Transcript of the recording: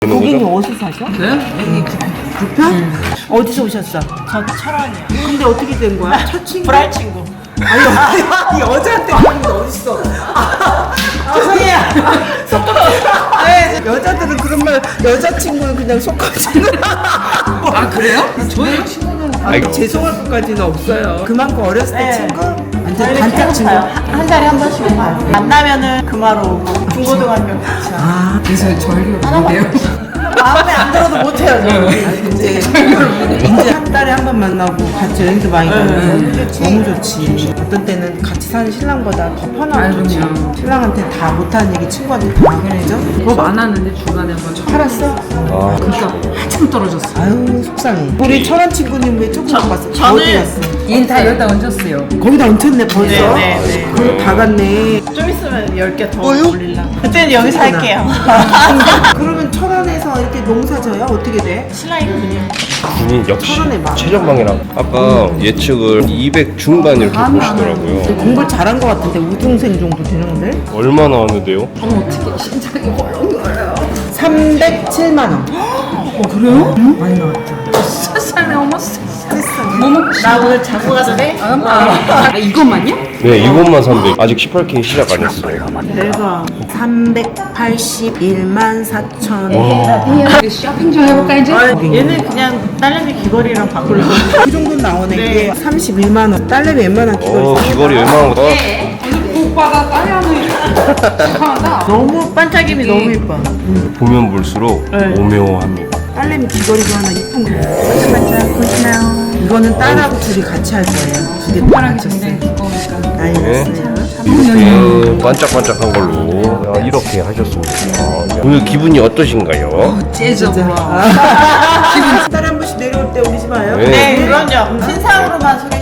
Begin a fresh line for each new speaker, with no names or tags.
고객님 어디서 사셔?
네? 여기
부평? 어디서 오셨어?
저 철원이요.
근데 어떻게 된 거야? 첫 친구?
불알 친구.
아니 여자한테 그런 게 어딨어? 죄송해요. 네, 여자들은 그런 말, 여자친구는 그냥 속거지는.
아 그래요? 저희 친구는
아니, 죄송할 것까지는 없어요. 그만큼 어렸을 때
네.
친구? 완전
저희는
단짝
계속
친구.
가요. 한 달에 한 번씩은 가요. 만나면은 금화로 오고 중고등학교 같이.
아,
그래서 저희가 뭔데요?
마음에 안 들어도 못해요. 저는.
이제 한 달에 한 번 만나고 같이 여행도 많이 가고 너무 좋지. 어떤 때는 같이 사는 신랑보다 더 편하고 좋지.
그럼요.
신랑한테 다 못하는 얘기 친구한테 다 그러죠?
그거 많았는데 중간에 한번
팔았어?
그러니까 한참 떨어졌어.
아유 속상해. 우리 철원 친구님 왜 조금 못 봤어?
저는-
어디 갔어?
얘는 다 여기다 얹었어요.
거기다 얹혔네 벌써?
네.
그걸로 다 갔네.
좀 있으면 10개 더
뭐요?
올릴라. 그때는 여기서 할게요.
그러면 철원에서 이렇게 농사져요? 어떻게 돼?
신랑이 그분이요.
군인 역시
철원에 많아.
최전방이랑 아까 예측을 200 중반 이렇게 보시더라고요.
공부를 잘한 것 같은데 우등생 정도 되는데?
얼마나 하는데요?
어머 어떻게 심장이 헐렁거려요.
307만 원.
그래요?
많이 나왔죠.
세상에 어머 세상에. 뭐 먹고 싶어?
나 오늘 자고 가도 돼?
아 이것만요?
네, 이것만 300. 아직 18K 시작 안 했어요.
내가 381만 4천.
우리 쇼핑 좀 해볼까 이제?
얘는 그냥 딸내미 귀걸이랑 바꾸려고.
그 정도 나오네.
네.
이게 31만 원. 딸내미 웬만한 귀걸이.
귀걸이 얼마나 거?
오빠가 딸려는 이상하다.
너무 반짝임이 너무 예뻐.
보면 볼수록 오묘합니다.
딸내미 귀걸이도 하나 이쁜 거. 반짝반짝 보시나요? 이거는 딸하고 둘이 같이 할 거예요. 두 개
오빠랑
맞췄어요.
굉장히 두꺼우니까.
많이
네.
났어요.
반짝반짝한 걸로 이렇게 하셨습니다. 오늘 기분이 어떠신가요?
재져.
한 달에 한 번씩 내려올 때 오지 마요.
네.
네, 그럼요. 신상으로만 소개